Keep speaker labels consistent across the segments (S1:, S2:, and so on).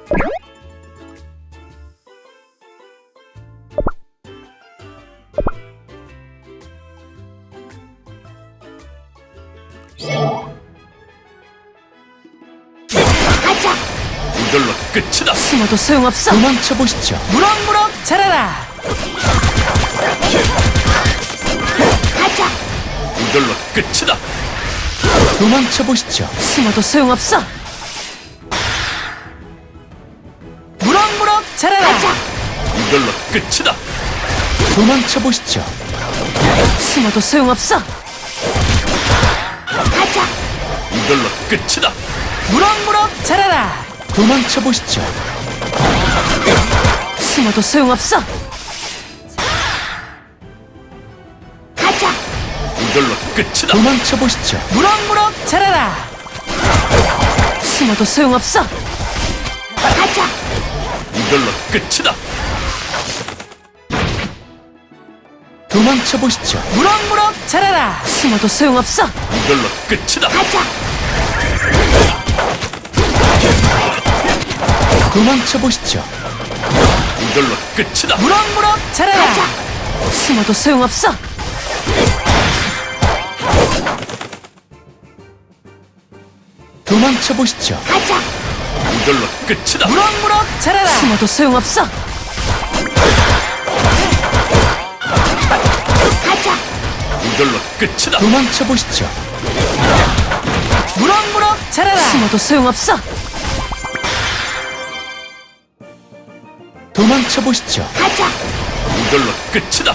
S1: 가자.
S2: 이걸로 끝이다.
S1: 숨어도 소용없어.
S3: 도망쳐 보시죠.
S1: 무럭무럭 자라라. 가자.
S2: 이걸로 끝이다.
S3: 도망쳐 보시죠.
S1: 숨어도 소용없어. 무럭무럭 자라라. 가자.
S2: 이걸로 끝이다.
S3: 도망쳐 보시죠.
S1: 숨어도 소용없어. 가자.
S2: 이걸로 끝이다.
S1: 무럭무럭 자라라.
S3: 도망쳐 보시죠.
S1: 숨어도 소용없어. 가자.
S2: 이걸로 끝이다.
S3: 도망쳐 보시죠.
S1: 무럭무럭 자라라. 숨어도 소용없어. 가자.
S2: 이걸로 끝이다.
S3: 도망쳐 보시죠.
S1: 무럭무럭 자라라. 숨어도 소용없어.
S2: 이걸로 끝이다.
S1: 가자.
S3: 도망쳐 보시죠.
S2: 이걸로 끝이다.
S1: 무럭무럭 자라라. 가자. 숨어도 소용없어.
S3: 도망쳐 보시죠.
S1: 가자.
S2: 이걸로 끝이다.
S1: 무럭무럭 자라라. 숨어도 소용없어. 가자.
S2: 이걸로 끝이다.
S3: 도망쳐 보시죠.
S1: 무럭무럭 자라라. 숨어도 소용없어.
S3: 도망쳐 보시죠.
S1: 가자.
S2: 이걸로 끝이다.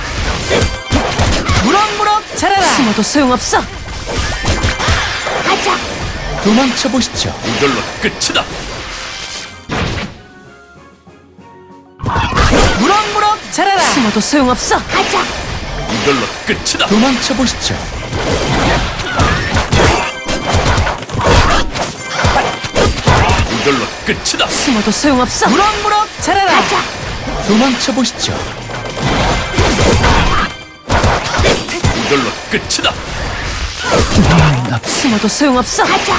S1: 무럭무럭 자라라. 숨어도 소용없어. 가자.
S3: 도망쳐 보시죠.
S2: 이걸로 끝이다.
S1: 무럭무럭 자라라. 숨어도 소용없어. 가자.
S2: 이걸로 끝이다.
S3: 도망쳐 보시죠.
S2: 이걸로 끝이다.
S1: 숨어도 소용없어. 무럭무럭 자라라. 가자.
S3: 도망쳐 보시죠.
S2: 이걸로 끝이다.
S1: 숨어도 소용없어. 가자.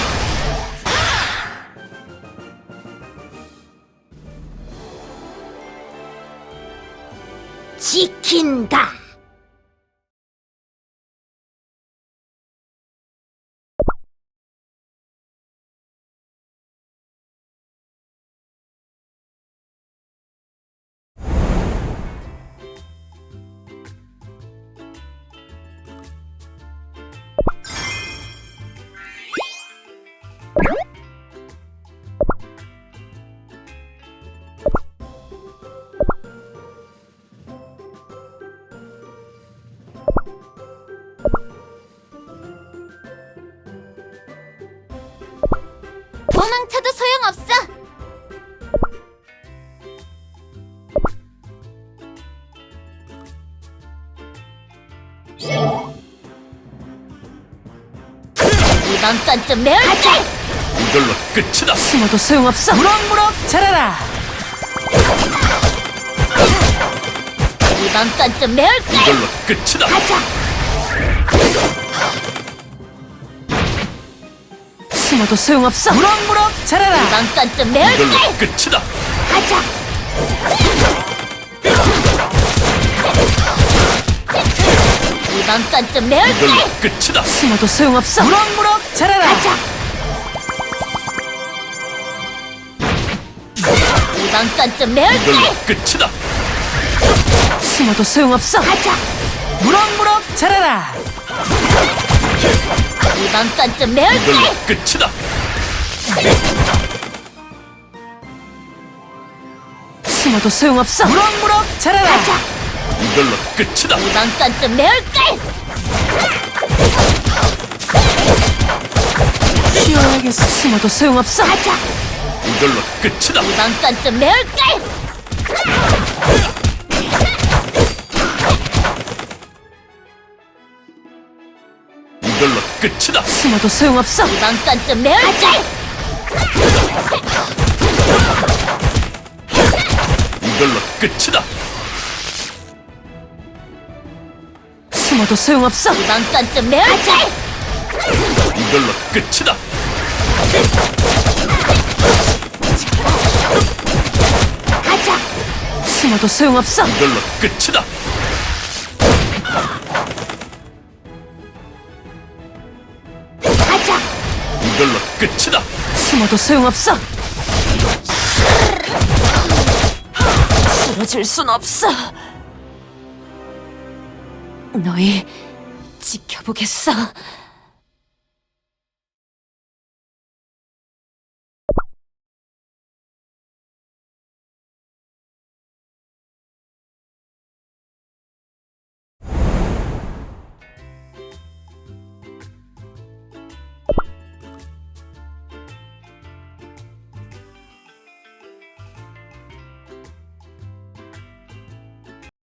S1: 지킨다. 도망쳐도 소용없어. 이번 건 좀 매울게.
S2: 이걸로 끝이다.
S1: 숨어도 소용없어. 무럭무럭 자라라. 이번 건 좀 매울게.
S2: 이걸로 끝이다.
S1: 가자. 숨어도 소용없어. 무럭무럭 자라라. 이번 건 좀
S2: 이걸로
S1: 매울게.
S2: 끝이다.
S1: 가자. 이번 건 좀 매울게.
S2: 이걸로 끝이다.
S1: 숨어도 소용없어. 무럭무럭 자라라. 가자. 이번 건 좀 매울게.
S2: 이걸로 끝이다.
S1: 숨어도 소용없어. 가자. 무럭무럭 자라라. 이번 건 좀 매울게.
S2: 이걸로 끝이다.
S1: 숨어도 소용없어. 무럭무럭 자라라. 가자.
S2: 이걸로 끝이다.
S1: 이번 건 좀 매울게. 쉬어야겠어. 숨어도 소용없어. 가자.
S2: 이걸로 끝이다.
S1: 이번 건 좀 매울게.
S2: 이걸로 끝이다.
S1: 숨어도 소용없어. 이번 건 좀 매울게.
S2: 이걸로 끝이다.
S1: 숨어도 소용없어. 이번 건 좀 매울게.
S2: 이걸로 끝이다.
S1: 숨어도 소용없어.
S2: 이걸로 끝이다.
S1: 가자.
S2: 이걸로 끝이다.
S1: 숨어도 소용없어. 쓰러질 순 없어. 너희 지켜보겠어.